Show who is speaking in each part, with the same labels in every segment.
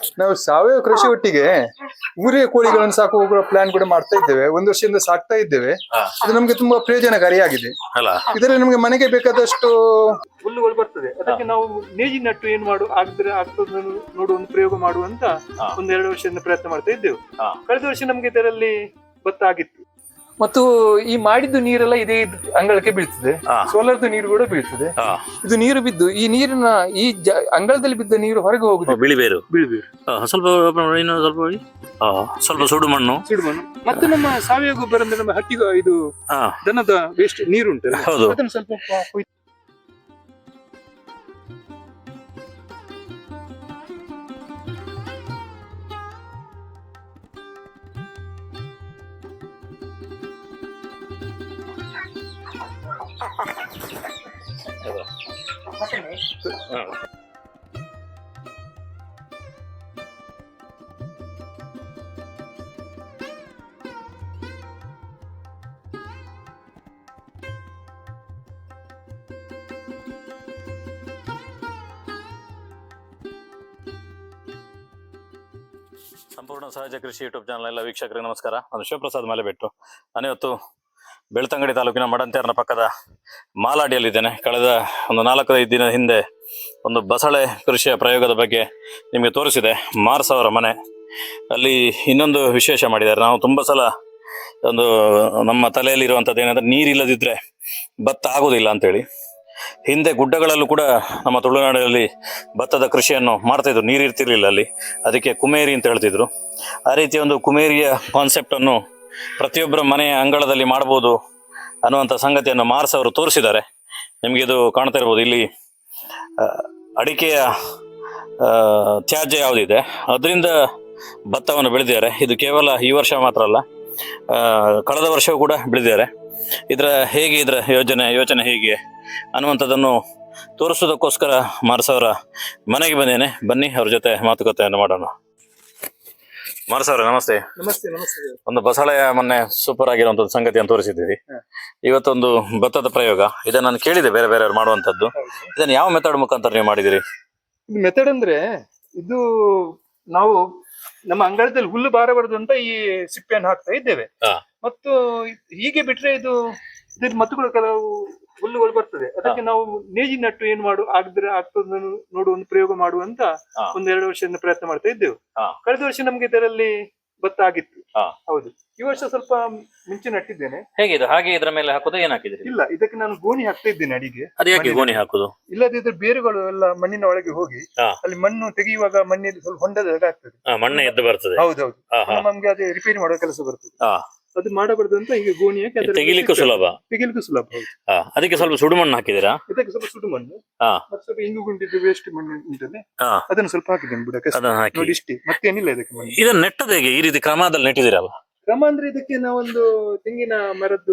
Speaker 1: ನಾವು ಸಾವಯವ ಕೃಷಿ ಒಟ್ಟಿಗೆ ಊರಿನ ಕೋಳಿಗಳನ್ನು ಸಾಕುವ ಪ್ಲಾನ್ ಕೂಡ ಮಾಡ್ತಾ ಇದ್ದೇವೆ. ಒಂದು ವರ್ಷದಿಂದ ಸಾಕ್ತಾ ಇದ್ದೇವೆ. ಇದು ನಮ್ಗೆ ತುಂಬಾ ಪ್ರಯೋಜನಕಾರಿಯಾಗಿದೆ. ಇದರಲ್ಲಿ ನಮ್ಗೆ ಮನೆಗೆ ಬೇಕಾದಷ್ಟು ಹುಲ್ಲುಗಳು ಬರ್ತದೆ. ಅದಕ್ಕೆ ನಾವು ನೇಜಿ ನಟ್ಟು ಏನ್ ಆಗ್ತದೆ ನೋಡುವ ಒಂದು ಪ್ರಯೋಗ ಮಾಡುವಂತ 1-2 ವರ್ಷದಿಂದ ಪ್ರಯತ್ನ ಮಾಡ್ತಾ ಇದ್ದೇವೆ. ಕಳೆದ ವರ್ಷ ನಮ್ಗೆ ಇದರಲ್ಲಿ ಭತ್ತ ಆಗಿತ್ತು. ಮತ್ತು ಈ ಮಾಡಿದ್ದು ನೀರೆಲ್ಲ ಇದೇ ಅಂಗಳಕ್ಕೆ ಬೀಳ್ತದೆ. ಸೋಲಾರ್ದು ನೀರು ಕೂಡ ಬೀಳ್ತದೆ. ಇದು ನೀರು ಬಿದ್ದು ಈ ನೀರಿನ ಈ ಅಂಗಳದಲ್ಲಿ ಬಿದ್ದ ನೀರು ಹೊರಗೆ ಹೋಗುದು.
Speaker 2: ಬಿಳಿಬೇರು ಸ್ವಲ್ಪ ಸ್ವಲ್ಪ ಸುಡು ಮಣ್ಣು
Speaker 1: ಮತ್ತು ನಮ್ಮ ಸಾವಯವ ಗೊಬ್ಬರ ಅಂದ್ರೆ ನಮ್ಮ ಹಟ್ಟಿ ಇದು ದನದ ವೇಸ್ಟ್ ನೀರು ಉಂಟು, ಅದನ್ನು ಸ್ವಲ್ಪ
Speaker 2: ಸಂಪೂರ್ಣ ಸಹಜ ಕೃಷಿ ಯೂಟ್ಯೂಬ್ ಚಾನಲ್ ಎಲ್ಲ ವೀಕ್ಷಕರಿಗೆ ನಮಸ್ಕಾರ. ನಾನು ಶಿವಪ್ರಸಾದ್ ಮಲೆಬೆಟ್ಟು. ನಾನಿವತ್ತು ಬೆಳ್ತಂಗಡಿ ತಾಲೂಕಿನ ಮಡಂತೇರ್ನ ಪಕ್ಕದ ಮಾಲಾಡಿಯಲ್ಲಿದ್ದೇನೆ. ಕಳೆದ ಒಂದು 4-5 ದಿನ ಹಿಂದೆ ಒಂದು ಬಸಳೆ ಕೃಷಿಯ ಪ್ರಯೋಗದ ಬಗ್ಗೆ ನಿಮಗೆ ತೋರಿಸಿದೆ. ಮಾರ್ಸ್ ಅವರ ಮನೆ ಅಲ್ಲಿ ಇನ್ನೊಂದು ವಿಶೇಷ ಮಾಡಿದ್ದಾರೆ. ನಾವು ತುಂಬ ಸಲ ಒಂದು ನಮ್ಮ ತಲೆಯಲ್ಲಿರುವಂಥದ್ದು ಏನಂದರೆ ನೀರಿಲ್ಲದಿದ್ದರೆ ಭತ್ತ ಆಗೋದಿಲ್ಲ ಅಂತೇಳಿ. ಹಿಂದೆ ಗುಡ್ಡಗಳಲ್ಲೂ ಕೂಡ ನಮ್ಮ ತುಳುನಾಡಿನಲ್ಲಿ ಭತ್ತದ ಕೃಷಿಯನ್ನು ಮಾಡ್ತಾಯಿದ್ರು, ನೀರು ಇರ್ತಿರ್ಲಿಲ್ಲ ಅಲ್ಲಿ. ಅದಕ್ಕೆ ಕುಮೇರಿ ಅಂತ ಹೇಳ್ತಿದ್ರು. ಆ ರೀತಿಯ ಒಂದು ಕುಮೇರಿಯ ಕಾನ್ಸೆಪ್ಟನ್ನು ಪ್ರತಿಯೊಬ್ಬರ ಮನೆಯ ಅಂಗಳದಲ್ಲಿ ಮಾಡ್ಬೋದು ಅನ್ನುವಂಥ ಸಂಗತಿಯನ್ನು ಮಾರ್ಸ್ ಅವರು ತೋರಿಸಿದ್ದಾರೆ. ನಿಮಗೆ ಇದು ಕಾಣ್ತಾ ಇರ್ಬೋದು. ಇಲ್ಲಿ ಅಡಿಕೆಯ ತ್ಯಾಜ್ಯ ಯಾವುದಿದೆ ಅದರಿಂದ ಭತ್ತವನ್ನು ಬೆಳೆದಿದ್ದಾರೆ. ಇದು ಕೇವಲ ಈ ವರ್ಷ ಮಾತ್ರ ಅಲ್ಲ, ಕಳೆದ ವರ್ಷವೂ ಕೂಡ ಬೆಳೆದಿದ್ದಾರೆ. ಇದರ ಯೋಚನೆ ಹೇಗೆ ಅನ್ನುವಂಥದ್ದನ್ನು ತೋರಿಸೋದಕ್ಕೋಸ್ಕರ ಮಾರ್ಸ್ ಅವರ ಮನೆಗೆ ಬಂದೇನೆ. ಬನ್ನಿ ಅವ್ರ ಜೊತೆ ಮಾತುಕತೆಯನ್ನು ಮಾಡೋಣ. ಮಾರ್ಸ್ ಅವರೇ ನಮಸ್ತೆ.
Speaker 1: ನಮಸ್ತೆ.
Speaker 2: ಒಂದು ಬಸಳೆಯ ಮೊನ್ನೆ ಸೂಪರ್ ಆಗಿರುವಂತದ್ದು ಸಂಗತಿಯನ್ನು ತೋರಿಸಿದ್ದೀರಿ. ಇವತ್ತೊಂದು ಭತ್ತದ ಪ್ರಯೋಗ. ಇದನ್ನ ನಾನು ಕೇಳಿದೆ ಬೇರೆ ಬೇರೆಯವ್ರು ಮಾಡುವಂತದ್ದು. ಇದನ್ನ ಯಾವ ಮೆಥಡ್ ಮುಖಾಂತರ ನೀವು ಮಾಡಿದಿರಿ?
Speaker 1: ಮೆಥಡ್ ಅಂದ್ರೆ ಇದು ನಾವು ನಮ್ಮ ಅಂಗಳದಲ್ಲಿ ಹುಲ್ಲು ಬಾರಬಾರದು ಅಂತ ಈ ಸಿಪ್ಪೆಯನ್ನು ಹಾಕ್ತಾ ಇದ್ದೇವೆ. ಮತ್ತು ಹೀಗೆ ಬಿಟ್ರೆ ಇದು ಮತ್ತುಗಳು ಕೆಲವು ಹುಲ್ಲುಗಳು ಬರ್ತದೆ. ಅದಕ್ಕೆ ನಾವು ನೇಜಿ ನಟ್ಟು ಏನ್ ಆಗ್ತದೆ ನೋಡುವ ಒಂದು ಪ್ರಯೋಗ ಮಾಡುವಂತ 1-2 ವರ್ಷದಿಂದ ಪ್ರಯತ್ನ ಮಾಡ್ತಾ ಇದ್ದೇವೆ. ಕಳೆದ ವರ್ಷ ನಮ್ಗೆ ಇದರಲ್ಲಿ ಭತ್ತ ಆಗಿತ್ತು. ಹೌದು, ಈ ವರ್ಷ ಸ್ವಲ್ಪ ಮುಂಚೆ ನಟ್ಟಿದ್ದೇನೆ.
Speaker 2: ಹೇಗಿದೆ ಹಾಗೆ ಇದರ ಮೇಲೆ ಹಾಕೋದು? ಏನ್ ಹಾಕಿದ್ರಿ?
Speaker 1: ಇಲ್ಲ, ಇದಕ್ಕೆ ನಾನು ಗೋಣಿ ಹಾಕ್ತಾ ಇದ್ದೇನೆ ಅಡಿಗೆ.
Speaker 2: ಅದು ಯಾಕೆ ಗೋಣಿ ಹಾಕುದು?
Speaker 1: ಇಲ್ಲದಿದ್ರೆ ಬೇರುಗಳು ಎಲ್ಲ ಮಣ್ಣಿನ ಒಳಗೆ ಹೋಗಿ ಅಲ್ಲಿ ಮಣ್ಣು ತೆಗೆಯುವಾಗ ಮಣ್ಣಿಗೆ ಸ್ವಲ್ಪ ಹೊಂಡದಾಗ ಆಗ್ತದೆ,
Speaker 2: ಮಣ್ಣು ಎದ್ದು ಬರ್ತದೆ.
Speaker 1: ಹೌದೌದು, ನಮ್ಗೆ ಅದೇ ರಿಪೇರಿ ಮಾಡುವ ಕೆಲಸ ಬರ್ತದೆ. ಅದು ಮಾಡಬಾರ್ದು ಅಂತ ಈಗ ಗೋಣಿ ಹಾಕಿ
Speaker 2: ತೆಗಿಲಿಕ್ಕೂ ಸುಲಭ. ಅದಕ್ಕೆ ಸ್ವಲ್ಪ ಸುಡು ಮಣ್ಣು ಹಾಕಿದಿರಾ?
Speaker 1: ಇದಕ್ಕೆ ಸ್ವಲ್ಪ ಸುಡು ಮಣ್ಣು ಮತ್ತೆ ಸ್ವಲ್ಪ ಇಂಗು ಗುಂಡಿದ್ದು ವೇಸ್ಟ್ ಮಣ್ಣು ಉಂಟನೆ, ಅದನ್ನು ಸ್ವಲ್ಪ ಹಾಕಿದ್ದೇನೆ ಬುಡಕ್ಕೆ. ನೋಡಿ ಇಷ್ಟೇ, ಮತ್ತೇನಿಲ್ಲ ಇದಕ್ಕೆ ಮಣ್ಣು.
Speaker 2: ಇದನ್ನ ನೆಟ್ಟದ ಹೇಗೆ? ಈ ರೀತಿ ಕ್ರಮದಲ್ಲಿ ನೆಟ್ಟಿದಿರಲ್ಲ?
Speaker 1: ಕ್ರಮ ಅಂದ್ರೆ ಇದಕ್ಕೆ ನಾವೊಂದು ತೆಂಗಿನ ಮರದ್ದು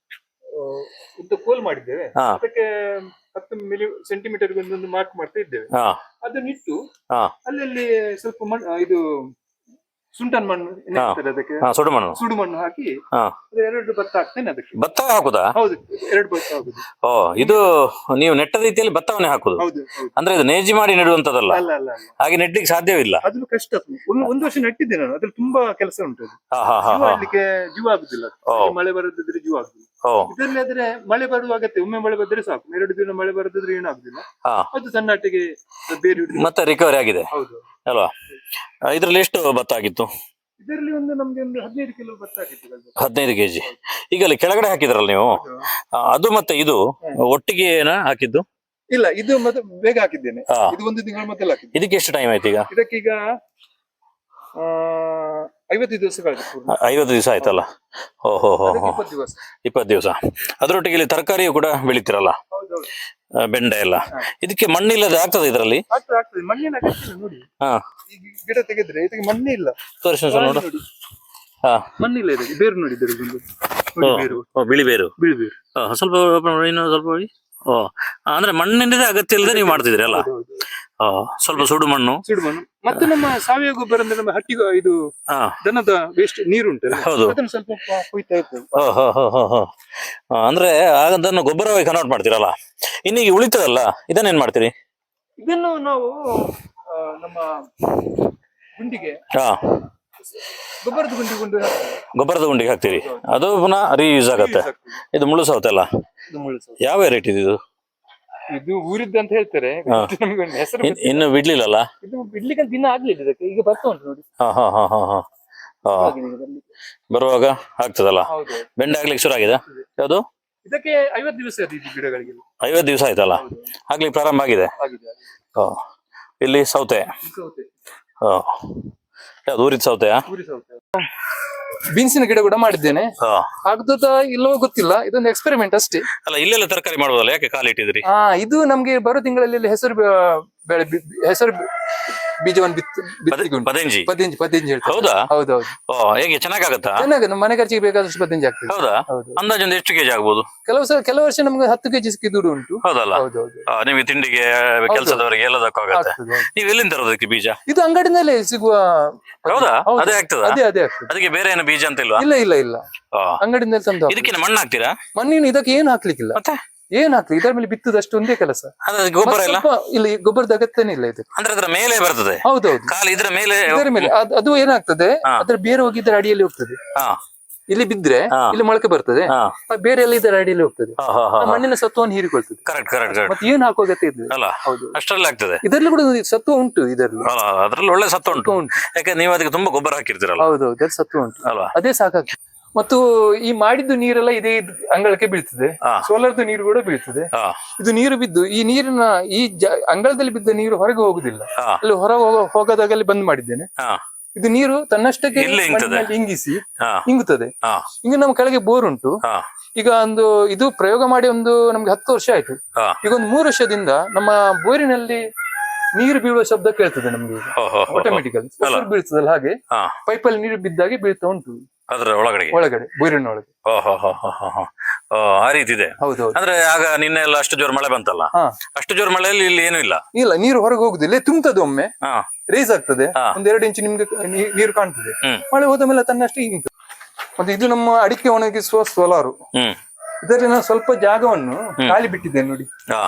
Speaker 1: ಉದ್ದ ಕೋಲ್ ಮಾಡಿದ್ದೇವೆ. ಅದಕ್ಕೆ 10 ಸೆಂಟಿಮೀಟರ್ ಒಂದೊಂದು ಮಾರ್ಕ್ ಮಾಡ್ತಾ ಇದ್ದೇವೆ. ಅದನ್ನಿಟ್ಟು ಅಲ್ಲಲ್ಲಿ ಸ್ವಲ್ಪ ಮಣ್ಣು, ಇದು ಸುಂಟನ್ ಮಣ್ಣು ಅದಕ್ಕೆ ಸುಡು ಮಣ್ಣು ಹಾಕಿ 2 ಭತ್ತ ಹಾಕ್ತೇನೆ. ಅದಕ್ಕೆ
Speaker 2: ಭತ್ತ ಹಾಕುದಾ?
Speaker 1: ಹೌದು, 2 ಭತ್ತ ಹಾಕುದು.
Speaker 2: ಇದು ನೀವು ನೆಟ್ಟ ರೀತಿಯಲ್ಲಿ ಭತ್ತವನ್ನೇ ಹಾಕುದು? ಅಂದ್ರೆ ಇದು ನೇಜಿ ಮಾಡಿ ನೆಡುವಂತದಲ್ಲ? ಹಾಗೆ ನೆಡ್ಲಿಕ್ಕೆ ಸಾಧ್ಯವಿಲ್ಲ,
Speaker 1: ಅದು ಕಷ್ಟ. ಒಂದು ವರ್ಷ ನೆಟ್ಟಿದ್ದೆ ನಾನು, ಅದ್ರಲ್ಲಿ ತುಂಬಾ ಕೆಲಸ ಉಂಟು. ಮಾಡ್ಲಿಕ್ಕೆ ಜೀವ ಆಗುದಿಲ್ಲ, ಮಳೆ ಬರದಿದ್ರೆ ಜೀವ ಆಗುದಿಲ್ಲ. ಇದರಲ್ಲಿ ಆದ್ರೆ ಮಳೆ ಬರುವ ಅಗತ್ಯ, ಒಮ್ಮೆ ಮಳೆ ಬಂದ್ರೆ ಸಾಕು. 2 ದಿನ ಮಳೆ ಬರದಿದ್ರೆ ಏನಾಗುದಿಲ್ಲ. ಅದು ಸಣ್ಣಟ್ಟಿಗೆ ಬೇರೆ
Speaker 2: ಮತ್ತೆ ರಿಕವರಿ ಆಗಿದೆ ಅಲ್ವಾ? ಇದ್ರಲ್ಲಿ ಎಷ್ಟು ಭತ್ತ ಆಗಿತ್ತು?
Speaker 1: ಇದರಲ್ಲಿ ನಮ್ಗೆ 15 ಕಿಲೋ ಭತ್ತ ಆಗಿತ್ತು.
Speaker 2: 15 ಕೆಜಿ. ಈಗ ಅಲ್ಲಿ ಕೆಳಗಡೆ ಹಾಕಿದ್ರಲ್ಲ ನೀವು, ಅದು ಮತ್ತೆ ಇದು ಒಟ್ಟಿಗೆ ಹಾಕಿದ್ದು?
Speaker 1: ಇಲ್ಲ, ಇದು ಮತ್ತೆ ಬೇಗ ಹಾಕಿದ್ದೇನೆ. ಇದು 1 ತಿಂಗಳ ಮೊದಲು ಹಾಕಿದ್ದು.
Speaker 2: ಇದಕ್ಕೆ ಎಷ್ಟು ಟೈಮ್ ಆಯ್ತು ಈಗ?
Speaker 1: ಇದಕ್ಕೀಗ 50 ದಿವಸಗಳು.
Speaker 2: 50 ದಿವಸ ಆಯ್ತಲ್ಲ? 20 ದಿವಸ. ಅದರೊಟ್ಟಿಗೆ ಇಲ್ಲಿ ತರಕಾರಿಯು ಕೂಡ ಬೆಳಿತೀರಲ್ಲ, ಬೆಂಡೆ ಎಲ್ಲ. ಇದಕ್ಕೆ ಮಣ್ಣಿಲ್ಲದೆ ಆಗ್ತದೆ ಇದರಲ್ಲಿ?
Speaker 1: ಮಣ್ಣಿನ ಅಗತ್ಯ ನೋಡಿ. ಗಿಡ ತೆಗೆದ್ರೆ ಇದಕ್ಕೆ ಮಣ್ಣೇ ಇಲ್ಲ.
Speaker 2: ತೋರಿಸಿ ನೋಡು.
Speaker 1: ಮಣ್ಣಿಲ್ಲ ಇದಕ್ಕೆ. ಬೇರು ನೋಡಿ,
Speaker 2: ಬಿಳಿ ಬೇರು. ಸ್ವಲ್ಪ ಸ್ವಲ್ಪ ಅಂದ್ರೆ ಮಣ್ಣಿನ ಅಗತ್ಯ ಇಲ್ಲದೆ ನೀವು ಮಾಡ್ತಿದ್ರಿ ಅಲ್ಲ? ಸ್ವಲ್ಪ ಸುಡು ಮಣ್ಣು
Speaker 1: ಮತ್ತೆ ನಮ್ಮ ಸಾವಯವ ಗೊಬ್ಬರ ಅಂದ್ರೆ ನಮ್ಮ ಹಟ್ಟಿ ಇದು ದನದ ವೇಸ್ಟ್ ನೀರು ಉಂಟು, ಅದನ್ನು ಸ್ವಲ್ಪ ಕೊಯ್ತಾ ಇರ್ತೇವೆ.
Speaker 2: ಅಂದ್ರೆ ಅದನ್ನು ಗೊಬ್ಬರವಾಗಿ ಕನ್ವರ್ಟ್ ಮಾಡ್ತೀರಲ್ಲ. ಇನ್ನೀಗ ಉಳಿತದಲ್ಲ, ಇದನ್ನೇನ್ ಮಾಡ್ತೀರಿ?
Speaker 1: ಇದನ್ನು ನಾವು ನಮ್ಮ ಗುಂಡಿಗೆ
Speaker 2: ಹಾ
Speaker 1: ಗೊಬ್ಬರದ ಗುಂಡಿ
Speaker 2: ಗೊಬ್ಬರದ ಗುಂಡಿಗೆ ಹಾಕ್ತೀರಿ, ಅದು ಪುನಃ ರೀಯೂಸ್ ಆಗತ್ತೆ. ಇದು ಮುಳ್ಳು ಸೌತೆ ಅಲ್ಲ, ಯಾವ ವೆರೈಟಿ ಇದು?
Speaker 1: ಇದು ಊರಿದ್ದು ಅಂತ ಹೇಳ್ತಾರೆ, ನಮ್ಗೆ ಒಂದು ಹೆಸರು
Speaker 2: ಇನ್ನು ಬಿಡ್ಲಿಲ್ಲಲ್ಲ?
Speaker 1: ಇದು ಬಿಡ್ಲಿಕ್ಕೆ ದಿನ ಆಗ್ಲಿಲ್ಲ, ಇದಕ್ಕೆ ಈಗ ಬರ್ತಾ ಉಂಟು ನೋಡಿ.
Speaker 2: ಹಾ ಹಾ ಹಾ ಹಾ ಹಾ ಹಾ ಬರುವಾಗ ಆಗ್ತದಲ್ಲ.
Speaker 1: ಹೌದು,
Speaker 2: ಬೆಂಡೆ ಆಗ್ಲಿಕ್ಕೆ ಶುರು ಆಗಿದೆ. ಯಾವುದು?
Speaker 1: ಇದಕ್ಕೆ 50 ದಿವಸ ಅದು ಇದು ಗಿಡಗಳಿಗೆ.
Speaker 2: 50 ದಿವಸ ಆಯ್ತಲ್ಲ ಆಗ್ಲಿಕ್ಕೆ ಪ್ರಾರಂಭ ಆಗಿದೆ. ಹಾ ಇಲ್ಲಿ ಸೌತೆ. ಹಾ ಯಾವ್ದು ಊರಿದ ಸೌತೆಯಾ?
Speaker 1: ಬೀನ್ಸಿನ ಗಿಡ ಕೂಡ ಮಾಡಿದ್ದೇನೆ, ಆಗ್ತದ ಇಲ್ಲವೋ ಗೊತ್ತಿಲ್ಲ, ಇದೊಂದು ಎಕ್ಸ್ಪೆರಿಮೆಂಟ್ ಅಷ್ಟೇ.
Speaker 2: ಅಲ್ಲ ಇಲ್ಲೆಲ್ಲ ತರಕಾರಿ ಮಾಡ್ಬೋದಲ್ಲ, ಯಾಕೆ ಖಾಲಿ ಇಟ್ಟಿದ್ರಿ?
Speaker 1: ಇದು ನಮ್ಗೆ ಬರೋ ತಿಂಗಳಲ್ಲಿ ಹೆಸರು ಬೀಜವನ್ನು
Speaker 2: ಪದಂಜಿ
Speaker 1: ಪದಂಜಿ ಹೇಳ್ತಾರೆ.
Speaker 2: ಹೌದಾ?
Speaker 1: ಹೌದೌದು.
Speaker 2: ಹೇಗೆ ಚೆನ್ನಾಗಾಗತ್ತಾ?
Speaker 1: ಚೆನ್ನಾಗಿ ನಮ್ಮ ಮನೆ ಖರ್ಚಿಗೆ ಬೇಕಾದಷ್ಟು ಪದಂಜಿ ಆಗ್ತದೆ.
Speaker 2: ಹೌದಾ? ಅಂದಾಜು ಒಂದು ಎಷ್ಟು ಕೆಜಿ ಆಗ್ಬೋದು?
Speaker 1: ಕೆಲವು ವರ್ಷ ನಮ್ಗೆ 10 kg ಸಿಕ್ಕಿದ್ದು ಉಂಟು.
Speaker 2: ಹೌದಲ್ಲ?
Speaker 1: ಹೌದೌದು.
Speaker 2: ನಿಮಗೆ ತಿಂಡಿಗೆ, ಕೆಲಸದವರಿಗೆ ಎಲ್ಲದಕ್ಕೂ ಆಗತ್ತೆ. ನೀವು ಎಲ್ಲಿಂದ ತರೋದಕ್ಕೆ ಬೀಜ?
Speaker 1: ಇದು ಅಂಗಡಿನಲ್ಲೇ ಸಿಗುವ.
Speaker 2: ಹೌದಾ? ಅದೇ ಆಗ್ತದ?
Speaker 1: ಅದೇ ಆಗ್ತದೆ.
Speaker 2: ಅದಕ್ಕೆ ಬೇರೆ ಏನು ಬೀಜ ಅಂತ ಇಲ್ವಾ?
Speaker 1: ಇಲ್ಲ ಅಂಗಡಿನಲ್ಲಿ ತಂದು.
Speaker 2: ಇದಕ್ಕೆ ಮಣ್ಣು ಹಾಕ್ತೀರಾ?
Speaker 1: ಮಣ್ಣಿನ ಇದಕ್ಕೆ ಏನು ಹಾಕ್ಲಿಕ್ಕಿಲ್ಲ.
Speaker 2: ಮತ್ತೆ
Speaker 1: ಏನ್ ಹಾಕ್ಲಿ, ಇದರ ಮೇಲೆ ಬಿತ್ತದಷ್ಟು ಒಂದೇ ಕೆಲಸ.
Speaker 2: ಗೊಬ್ಬರ ಇಲ್ಲ?
Speaker 1: ಇಲ್ಲ, ಗೊಬ್ಬರದ ಅಗತ್ಯನೇ ಇಲ್ಲ ಇದಕ್ಕೆ.
Speaker 2: ಅಂದ್ರೆ ಅದರ ಮೇಲೆ ಬರ್ತದೆ?
Speaker 1: ಹೌದೌದು,
Speaker 2: ಕಾಲು ಇದರ ಮೇಲೆ
Speaker 1: ಅದು ಏನಾಗ್ತದೆ, ಅದ್ರ ಬೇರೆ ಹೋಗಿ ಇದರ ಅಡಿಯಲ್ಲಿ ಹೋಗ್ತದೆ. ಇಲ್ಲಿ ಬಿದ್ರೆ ಇಲ್ಲಿ ಮೊಳಕೆ ಬರ್ತದೆ, ಬೇರೆ ಎಲ್ಲ ಇದರ ಅಡಿಯಲ್ಲಿ ಹೋಗ್ತದೆ, ಮಣ್ಣಿನ ಸತ್ವವನ್ನು ಹೀರಿಕೊಳ್ತದೆ.
Speaker 2: ಕರೆಕ್ಟ್.
Speaker 1: ಮತ್ತೆ ಏನ್ ಹಾಕುವ ಅಗತ್ಯ ಇದೆ?
Speaker 2: ಹೌದು, ಅಷ್ಟರಲ್ಲಿ ಆಗ್ತದೆ.
Speaker 1: ಇದರಲ್ಲಿ ಕೂಡ ಸತ್ವ ಉಂಟು, ಇದರಲ್ಲಿ
Speaker 2: ಅದ್ರಲ್ಲಿ ಒಳ್ಳೆ ಸತ್ವ ಉಂಟು. ಯಾಕಂದ್ರೆ ನೀವು ಅದಕ್ಕೆ ತುಂಬಾ ಗೊಬ್ಬರ ಹಾಕಿರ್ತೀರಲ್ಲ.
Speaker 1: ಹೌದೌದು, ಅದ್ರ ಸತ್ವ ಉಂಟು ಅಲ್ವಾ, ಅದೇ ಸಾಕಾಗ್ತದೆ. ಮತ್ತು ಈ ಮಾಡಿದ್ದು ನೀರೆಲ್ಲ ಇದೇ ಅಂಗಳಕ್ಕೆ ಬೀಳ್ತದೆ, ಸೋಲಾರ್ದು ನೀರು ಕೂಡ ಬೀಳ್ತದೆ. ಇದು ನೀರು ಬಿದ್ದು ಈ ನೀರಿನ ಅಂಗಳದಲ್ಲಿ ಬಿದ್ದ ನೀರು ಹೊರಗೆ ಹೋಗುದಿಲ್ಲ, ಅಲ್ಲಿ ಹೊರ ಹೋಗದಾಗಲ್ಲಿ ಬಂದ್ ಮಾಡಿದ್ದೇನೆ. ಇದು ನೀರು ತನ್ನಷ್ಟಕ್ಕೆ ಇಂಗಿಸಿ ಇಂಗುತ್ತದೆ. ಈಗ ನಮ್ಮ ಕೆಳಗೆ ಬೋರ್ ಉಂಟು. ಈಗ ಇದು ಪ್ರಯೋಗ ಮಾಡಿ ನಮ್ಗೆ 10 ವರ್ಷ ಆಯ್ತು. ಈಗ 3 ವರ್ಷದಿಂದ ನಮ್ಮ ಬೋರಿನಲ್ಲಿ ನೀರು ಬೀಳುವ ಶಬ್ದ ಕೇಳ್ತದೆ ನಮ್ಗೆ, ಆಟೋಮೆಟಿಕಲ್ ಬೀಳ್ತದಲ್ಲ ಹಾಗೆ ಪೈಪಲ್ಲಿ ನೀರು ಬಿದ್ದಾಗೆ ಬೀಳ್ತಾ ಉಂಟು
Speaker 2: ಅದರ ಒಳಗಡೆ
Speaker 1: ಬೋರಿನ ಒಳಗೆ.
Speaker 2: ಆ ರೀತಿ ಇದೆ.
Speaker 1: ಹೌದೌದು.
Speaker 2: ಅಂದ್ರೆ ಆಗ ನಿನ್ನೆ ಎಲ್ಲ ಅಷ್ಟು ಜೋರ್ ಮಳೆ ಬಂತಲ್ಲ, ಅಷ್ಟು ಜೋರ್ ಮಳೆಯಲ್ಲಿ ಇಲ್ಲಿ ಏನು ಇಲ್ಲ,
Speaker 1: ನೀರು ಹೊರಗೆ ಹೋಗುದಿಲ್ಲ, ತುಂಬುತ್ತದೆ, ಒಮ್ಮೆ ರೇಸ್ ಆಗ್ತದೆ, 1-2 ಇಂಚು ನಿಮ್ಗೆ ನೀರು ಕಾಣ್ತದೆ. ಮಳೆ ಹೋದ ಮೇಲೆ ತನ್ನಷ್ಟೇ ಇಂಗ್ತದೆ. ಮತ್ತೆ ಇದು ನಮ್ಮ ಅಡಿಕೆ ಒಣಗಿಸುವ ಸೋಲಾರು. ಇದರಲ್ಲಿ ನಾನು ಸ್ವಲ್ಪ ಜಾಗವನ್ನು ಖಾಲಿ ಬಿಟ್ಟಿದ್ದೇನೆ ನೋಡಿ.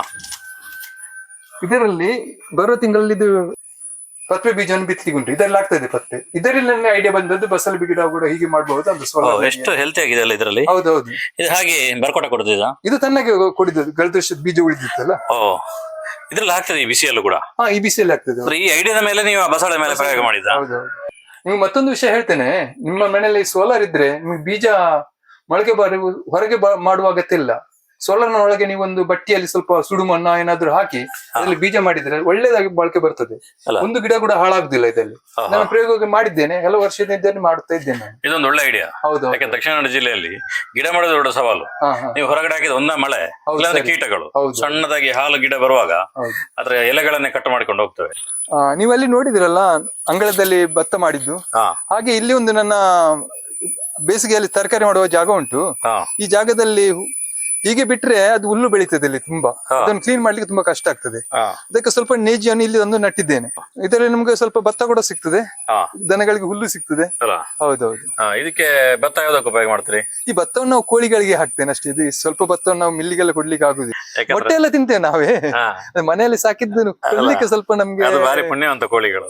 Speaker 1: ಇದರಲ್ಲಿ ಬರುವ ತಿಂಗಳಲ್ಲಿ ಇದು ಪತ್ರೆ ಬೀಜವನ್ನು ಬಿತ್ತಲಿಕ್ಕೆ ಉಂಟು, ಇದರಲ್ಲಿ ಆಗ್ತದೆ ಪತ್ರೆ. ಇದರಲ್ಲಿ ನನ್ನ ಐಡಿಯಾ ಬಂದದ್ದು ಬಸಳೆ ಗಿಡ ಕೂಡ ಹೀಗೆ ಮಾಡಬಹುದು ಅಂತ.
Speaker 2: ಎಷ್ಟು ಹೆಲ್ತಿ ಆಗಿದೆ ಅಲ್ಲ ಇದರಲ್ಲಿ.
Speaker 1: ಹೌದೌದು.
Speaker 2: ಇದು ಹಾಗೆ ಬರ್ಕೊಟ ಕೊಡುದಿಲ್ಲ, ಇದು
Speaker 1: ತನ್ನಗೆ ಕೊಡಿದ್ದು, ಕಳೆದ ವರ್ಷದ ಬೀಜ ಉಳಿದಿತ್ತಲ್ಲ.
Speaker 2: ಇದ್ರಲ್ಲಿ ಆಗ್ತದೆ ಈ ಬಿಸಿಯಲ್ಲೂ ಕೂಡ.
Speaker 1: ಈ ಬಿಸಿಯಲ್ಲಿ ಆಗ್ತದೆ.
Speaker 2: ಈ ಐಡಿಯಾದ ಮೇಲೆ ನೀವು ಬಸಳೆ ಮೇಲೆ ಪ್ರಯೋಗ ಮಾಡಿದ.
Speaker 1: ಹೌದೌದು. ನೀವು ಮತ್ತೊಂದು ವಿಷಯ ಹೇಳ್ತೇನೆ, ನಿಮ್ಮ ಮನೆಯಲ್ಲಿ ಸೋಲಾರ್ ಇದ್ರೆ ನಿಮ್ಗೆ ಬೀಜ ಮೊಳಕೆ ಹೊರಗೆ ಮಾಡುವ ಅಗತ್ಯ ಇಲ್ಲ. ಸೋಲಾರ್ನ ಒಳಗೆ ನೀವೊಂದು ಬಟ್ಟಿಯಲ್ಲಿ ಸ್ವಲ್ಪ ಸುಡು ಮಣ್ಣ ಏನಾದ್ರು ಹಾಕಿ ಅದರಲ್ಲಿ ಬೀಜ ಮಾಡಿದ್ರೆ ಒಳ್ಳೇದಾಗಿ ಮೊಳಕೆ ಬರ್ತದೆ. ಒಂದು ಗಿಡ ಕೂಡ ಹಾಳಾಗುದಿಲ್ಲ ಇದರಲ್ಲಿ. ನಾನು ಪ್ರಯೋಗ ಮಾಡಿದ್ದೇನೆ, ಕೆಲವು ವರ್ಷದಿಂದ ಮಾಡುತ್ತಾ ಇದ್ದೇನೆ.
Speaker 2: ಇದೊಂದು ಒಳ್ಳೆ ಐಡಿಯಾ. ಹೌದು. ಯಾಕೆ ದಕ್ಷಿಣ ಕನ್ನಡ ಜಿಲ್ಲೆಯಲ್ಲಿ ಗಿಡ ಮಾಡೋದು ದೊಡ್ಡ ಸವಾಲು. ನೀವು ಹೊರಗಡೆ ಹಾಕಿದ ಮಳೆ, ಕೀಟಗಳು, ಸಣ್ಣದಾಗಿ ಹಾಲು ಗಿಡ ಬರುವಾಗ ಅದ್ರ ಎಲೆಗಳನ್ನೇ ಕಟ್ ಮಾಡ್ಕೊಂಡು ಹೋಗ್ತವೆ.
Speaker 1: ನೀವಲ್ಲಿ ನೋಡಿದಿರಲ್ಲ ಅಂಗಳದಲ್ಲಿ ಭತ್ತ ಮಾಡಿದ್ದು, ಹಾಗೆ ಇಲ್ಲಿ ಒಂದು ನನ್ನ ಬೇಸಿಗೆಯಲ್ಲಿ ತರಕಾರಿ ಮಾಡುವ ಜಾಗ ಉಂಟು. ಈ ಜಾಗದಲ್ಲಿ ಹೀಗೆ ಬಿಟ್ರೆ ಅದು ಹುಲ್ಲು ಬೆಳೀತದೆ ಇಲ್ಲಿ ತುಂಬಾ. ಅದನ್ನು ಕ್ಲೀನ್ ಮಾಡ್ಲಿಕ್ಕೆ ತುಂಬಾ ಕಷ್ಟ ಆಗ್ತದೆ. ಅದಕ್ಕೆ ಸ್ವಲ್ಪ ನೇಜಿಯನ್ನು ಇಲ್ಲಿ ನಟ್ಟಿದ್ದೇನೆ. ಇದರಲ್ಲಿ ನಮ್ಗೆ ಸ್ವಲ್ಪ ಭತ್ತ ಕೂಡ ಸಿಗ್ತದೆ, ದನಗಳಿಗೆ ಹುಲ್ಲು ಸಿಗ್ತದೆ. ಹೌದೌದು.
Speaker 2: ಇದಕ್ಕೆ ಭತ್ತ ಯಾವ್ದಕ್ಕೆ ಉಪಯೋಗ ಮಾಡ್ತೀರಿ?
Speaker 1: ಈ ಭತ್ತವನ್ನು ನಾವು ಕೋಳಿಗಳಿಗೆ ಹಾಕ್ತೇನೆ ಅಷ್ಟೇ. ಇದು ಸ್ವಲ್ಪ ಭತ್ತವನ್ನು ನಾವು ಮಿಲ್ಲಿಗೆಲ್ಲ ಕೊಡ್ಲಿಕ್ಕೆ ಆಗುದಿಲ್ಲ. ಮೊಟ್ಟೆ ಎಲ್ಲ ತಿಂತೇವೆ ನಾವೇ, ಮನೆಯಲ್ಲಿ ಸಾಕಿದ್ದು ಕೊಡ್ಲಿಕ್ಕೆ ಸ್ವಲ್ಪ ನಮ್ಗೆ
Speaker 2: ಪುಣ್ಯವಂತ ಕೋಳಿಗಳು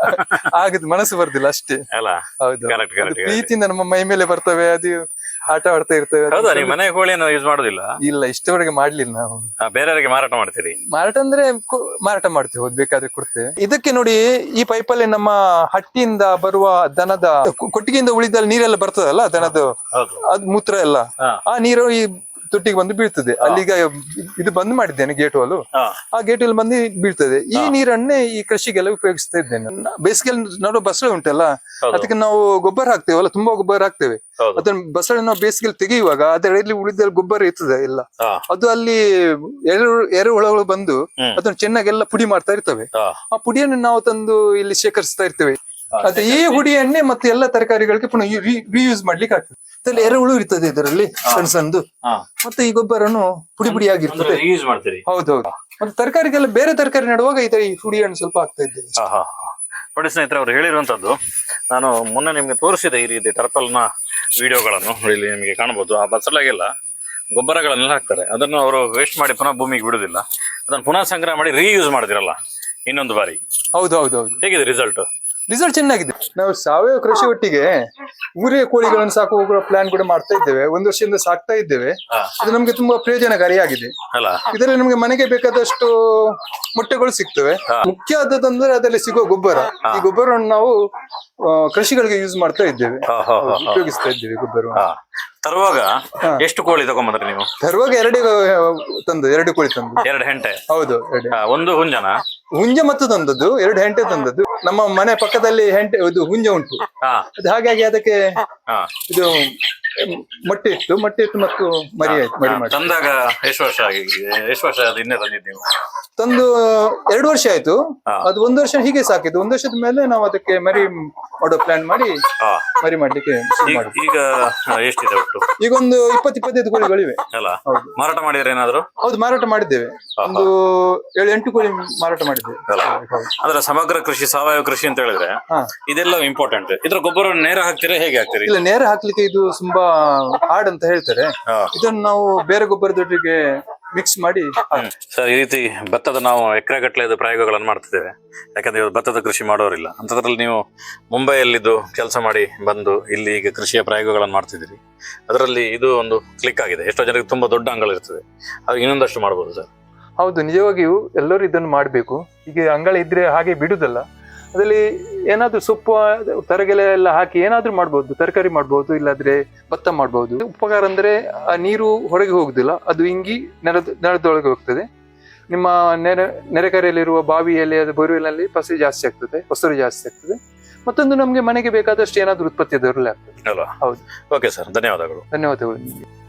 Speaker 1: ಆಗುದು, ಮನಸ್ಸು ಬರ್ದಿಲ್ಲ ಅಷ್ಟೇ. ಹೌದು, ಪ್ರೀತಿಯಿಂದ ನಮ್ಮ ಮೈ ಮೇಲೆ ಬರ್ತವೆ, ಅದು ಆಟ ಆಡ್ತಾ ಇರ್ತೇವೆ.
Speaker 2: ಮನೆ ಕೋಳಿಯನ್ನು ಯೂಸ್ ಮಾಡುದಿಲ್ಲ?
Speaker 1: ಇಲ್ಲ, ಇಷ್ಟವರೆಗೆ ಮಾಡ್ಲಿಲ್ಲ ನಾವು.
Speaker 2: ಬೇರೆಯವರಿಗೆ ಮಾರಾಟ ಮಾಡ್ತೀರಿ?
Speaker 1: ಮಾರಾಟ ಅಂದ್ರೆ ಮಾರಾಟ ಮಾಡ್ತೇವೆ, ಬೇಕಾದ್ರೆ ಕೊಡ್ತೇವೆ. ಇದಕ್ಕೆ ನೋಡಿ, ಈ ಪೈಪಲ್ಲಿ ನಮ್ಮ ಹಟ್ಟಿಯಿಂದ ಬರುವ ದನದ ಕೊಟ್ಟಿಗೆಯಿಂದ ಉಳಿದ ನೀರೆಲ್ಲ ಬರ್ತದಲ್ಲ, ದನದ ಅದ್ ಮೂತ್ರ ಎಲ್ಲ, ಆ ನೀರು ಈ ತೊಟ್ಟಿಗೆ ಬಂದು ಬೀಳ್ತದೆ. ಅಲ್ಲಿಗ ಇದು ಬಂದ್ ಮಾಡಿದ್ದೇನೆ ಗೇಟ್ ವಾಲು, ಆ ಗೇಟ್ ಅಲ್ಲಿ ಬಂದು ಬೀಳ್ತದೆ. ಈ ನೀರನ್ನೇ ಈ ಕೃಷಿಗೆಲ್ಲ ಉಪಯೋಗಿಸ್ತಾ ಇದ್ದೇನೆ. ಬೇಸಿಗೆಯಲ್ಲಿ ನೋಡೋ ಬಸಳೆ ಉಂಟಲ್ಲ, ಅದಕ್ಕೆ ನಾವು ಗೊಬ್ಬರ ಹಾಕ್ತೇವಲ್ಲ, ತುಂಬಾ ಗೊಬ್ಬರ ಹಾಕ್ತೇವೆ. ಅದನ್ನ ಬಸಳೆ ನಾವು ಬೇಸಿಗೆಯಲ್ಲಿ ತೆಗೆಯುವಾಗ ಅದರಲ್ಲಿ ಉಳಿದ ಗೊಬ್ಬರ ಇರ್ತದೆ ಎಲ್ಲ, ಅದು ಅಲ್ಲಿ ಎರೆಹುಳಗಳು ಬಂದು ಅದನ್ನ ಚೆನ್ನಾಗೆಲ್ಲ ಪುಡಿ ಮಾಡ್ತಾ ಇರ್ತವೆ. ಆ ಪುಡಿಯನ್ನು ನಾವು ತಂದು ಇಲ್ಲಿ ಶೇಖರಿಸ್ತಾ ಇರ್ತೇವೆ. ಅದೇ ಈ ಹುಡಿಯನ್ನೇ ಮತ್ತೆ ಎಲ್ಲ ತರಕಾರಿಗಳಿಗೆ ಪುನಃ ರಿಯೂಸ್ ಮಾಡ್ಲಿಕ್ಕೆ ಆಗ್ತದೆ. ಇದರಲ್ಲಿ ಎರೆಹುಳು ಇರ್ತದೆ ಇದರಲ್ಲಿ ಸಣ್ಣ ಸಣ್ಣದು, ಮತ್ತೆ ಈ ಗೊಬ್ಬರನು ಪುಡಿ ಪುಡಿಯಾಗಿರ್ತದೆ. ಹೌದೌದು. ಮತ್ತೆ ತರಕಾರಿಗೆಲ್ಲ ಬೇರೆ ತರಕಾರಿ ನೆಡುವಾಗ ಈ ಹುಡಿಯನ್ನು ಸ್ವಲ್ಪ ಹಾಕ್ತಾ ಇದ್ದೇವೆ.
Speaker 2: ನೋಡಿ ಸ್ನೇಹಿತರೆ, ಅವರು ಹೇಳಿರುವಂತದ್ದು ನಾನು ಮೊನ್ನೆ ನಿಮ್ಗೆ ತೋರಿಸಿದೆ. ಈ ರೀತಿ ಟರ್ಪಲ್ನ ವಿಡಿಯೋಗಳನ್ನು ಇಲ್ಲಿ ನಿಮಗೆ ಕಾಣಬಹುದು. ಆ ಬಸಳೆಗೆಲ್ಲ ಗೊಬ್ಬರಗಳನ್ನೆಲ್ಲ ಹಾಕ್ತಾರೆ, ಅದನ್ನು ಅವರು ವೇಸ್ಟ್ ಮಾಡಿ ಪುನಃ ಭೂಮಿಗೆ ಬಿಡುದಿಲ್ಲ, ಅದನ್ನು ಪುನಃ ಸಂಗ್ರಹ ಮಾಡಿ ರೀಯೂಸ್ ಮಾಡ್ತಿರಲ್ಲ ಇನ್ನೊಂದು ಬಾರಿ.
Speaker 1: ಹೌದೌದೌದು.
Speaker 2: ಹೇಗಿದೆ ರಿಸಲ್ಟ್?
Speaker 1: ರಿಸಲ್ಟ್ ಚೆನ್ನಾಗಿದೆ. ನಾವು ಸಾವಯವ ಕೃಷಿ ಒಟ್ಟಿಗೆ ಊರೇ ಕೋಳಿಗಳನ್ನು ಸಾಕುವ ಪ್ಲಾನ್ ಕೂಡ ಮಾಡ್ತಾ ಇದ್ದೇವೆ. ಒಂದು ವರ್ಷದಿಂದ ಸಾಕ್ತಾ ಇದ್ದೇವೆ. ಇದು ನಮ್ಗೆ ತುಂಬಾ ಪ್ರಯೋಜನಕಾರಿಯಾಗಿದೆ.
Speaker 2: ಅಲ್ಲ
Speaker 1: ಇದರಲ್ಲಿ ನಮ್ಗೆ ಮನೆಗೆ ಬೇಕಾದಷ್ಟು ಮೊಟ್ಟೆಗಳು ಸಿಗ್ತವೆ. ಮುಖ್ಯ ಆದದಂದ್ರೆ ಅದರಲ್ಲಿ ಸಿಗುವ ಗೊಬ್ಬರ. ಈ ಗೊಬ್ಬರವನ್ನು ನಾವು ಕೃಷಿಗಳಿಗೆ ಯೂಸ್ ಮಾಡ್ತಾ ಇದ್ದೇವೆ, ಉಪಯೋಗಿಸ್ತಾ ಇದ್ದೇವೆ ಗೊಬ್ಬರವನ್ನು.
Speaker 2: ತರುವಾಗ ಎಷ್ಟು ಕೋಳಿ ತಗೊಂಬಂದ್ರಿ ನೀವು?
Speaker 1: ತರುವಾಗ ಎರಡು ಕೋಳಿ ತಂದು.
Speaker 2: 2 ಹೆಂಟೆ?
Speaker 1: ಹೌದು,
Speaker 2: ಒಂದು ಹುಂಜನ?
Speaker 1: ಹುಂಜ ಮತ್ತು ತಂದದ್ದು, 2 ಹೆಂಟೆ ತಂದದ್ದು. ನಮ್ಮ ಮನೆ ಪಕ್ಕದಲ್ಲಿ ಹೆಂಟೆ ಇದು ಹುಂಜ ಉಂಟು. ಅದು ಹಾಗಾಗಿ ಅದಕ್ಕೆ ಇದು ಮೊಟ್ಟೆ ಇಟ್ಟು ಮತ್ತು ಮರಿ ಆಯ್ತು. ಮರಿ ಮಾಡಿ
Speaker 2: ತಂದಾಗ ಎಷ್ಟು ವರ್ಷ ಆಗಿದೆ? ಎಷ್ಟು ವರ್ಷ ಹಿಂದೆ ತಂದಿದ್ದು ನೀವು?
Speaker 1: ತಂದು 2 ವರ್ಷ ಆಯ್ತು. ಅದು 1 ವರ್ಷ ಹೀಗೆ ಸಾಕಿದ್ದು. 1 ವರ್ಷದ ಮೇಲೆ ನಾವು ಅದಕ್ಕೆ ಮರಿ ಮಾಡೋ ಪ್ಲಾನ್ ಮಾಡಿ ಮರಿ ಮಾಡ್ಲಿಕ್ಕೆ ಶುರು ಮಾಡಿದ್ವಿ.
Speaker 2: ಈಗ ಎಷ್ಟಿದೆ ಒಟ್ಟು?
Speaker 1: ಈಗ ಒಂದು 20-25 ಕೋಳಿಗಳಿವೆ.
Speaker 2: ಅಲ್ಲ, ಮಾರಾಟ ಮಾಡಿದ್ರೆ ಏನಾದ್ರು?
Speaker 1: ಹೌದು, ಮಾರಾಟ ಮಾಡಿದ್ದೇವೆ. ಒಂದು 7-8 ಕೋಳಿ ಮಾರಾಟ ಮಾಡಿದ್ದೇವೆ.
Speaker 2: ಅಂದ್ರೆ ಸಮಗ್ರ ಕೃಷಿ, ಸಾವಯವ ಕೃಷಿ ಅಂತ ಹೇಳಿದ್ರೆ ಇದೆಲ್ಲ ಇಂಪಾರ್ಟೆಂಟ್. ಇದ್ರ ಗೊಬ್ಬರ ನೇರ ಹಾಕ್ತೀರಾ, ಹೇಗೆ ಹಾಕ್ತೀರಿ?
Speaker 1: ಇಲ್ಲ, ನೇರ ಹಾಕ್ಲಿಕ್ಕೆ ಇದು ತುಂಬಾ ಹಾರ್ಡ್ ಅಂತ ಹೇಳ್ತಾರೆ. ಇದನ್ನು ನಾವು ಬೇರೆ ಗೊಬ್ಬರದೊಟ್ಟಿಗೆ ಮಿಕ್ಸ್ ಮಾಡಿ.
Speaker 2: ಸರ್, ಈ ರೀತಿ ಭತ್ತದ ನಾವು ಎಕರೆಗಟ್ಟಲೆ ಪ್ರಯೋಗಗಳನ್ನು ಮಾಡ್ತಿದ್ದೇವೆ. ಯಾಕಂದ್ರೆ ಇವರು ಭತ್ತದ ಕೃಷಿ ಮಾಡೋರಿಲ್ಲ. ಅಂತದ್ರಲ್ಲಿ ನೀವು ಮುಂಬೈಯಲ್ಲಿದ್ದು ಕೆಲಸ ಮಾಡಿ ಬಂದು ಇಲ್ಲಿ ಈಗ ಕೃಷಿಯ ಪ್ರಯೋಗಗಳನ್ನು ಮಾಡ್ತಿದ್ದೀರಿ. ಅದರಲ್ಲಿ ಇದು ಒಂದು ಕ್ಲಿಕ್ ಆಗಿದೆ. ಎಷ್ಟೋ ಜನರಿಗೆ ತುಂಬಾ ದೊಡ್ಡ ಅಂಗಳ ಇರ್ತದೆ, ಅದು ಇನ್ನೊಂದಷ್ಟು ಮಾಡ್ಬೋದು ಸರ್.
Speaker 1: ಹೌದು, ನಿಜವಾಗಿಯೂ ಎಲ್ಲರೂ ಇದನ್ನು ಮಾಡಬೇಕು. ಈಗ ಅಂಗಳ ಇದ್ರೆ ಹಾಗೆ ಬಿಡುದಲ್ಲ. ಅದರಲ್ಲಿ ಏನಾದ್ರೂ ಸೊಪ್ಪು ತರಗೆಲೆ ಎಲ್ಲ ಹಾಕಿ ಏನಾದ್ರೂ ಮಾಡ್ಬೋದು. ತರಕಾರಿ ಮಾಡ್ಬೋದು, ಇಲ್ಲಾದ್ರೆ ಭತ್ತ ಮಾಡ್ಬೋದು. ಉಪಕಾರ ಅಂದ್ರೆ ಆ ನೀರು ಹೊರಗೆ ಹೋಗುದಿಲ್ಲ, ಅದು ಇಂಗಿ ನೆಲದೊಳಗೆ ಹೋಗ್ತದೆ. ನಿಮ್ಮ ನೆರೆಕರೆಯಲ್ಲಿರುವ ಬಾವಿಯಲ್ಲಿ, ಅದು ಬೋರ್ವೆಲ್ನಲ್ಲಿ ಫಸಲು ಜಾಸ್ತಿ ಆಗ್ತದೆ. ಮತ್ತೊಂದು ನಮ್ಗೆ ಮನೆಗೆ ಬೇಕಾದಷ್ಟು ಏನಾದ್ರೂ ಉತ್ಪತ್ತಿ ಅದರಲ್ಲಿ ಆಗ್ತದೆ.
Speaker 2: ಹೌದು. ಓಕೆ ಸರ್, ಧನ್ಯವಾದಗಳು.
Speaker 1: ಧನ್ಯವಾದಗಳು ನಿಮಗೆ.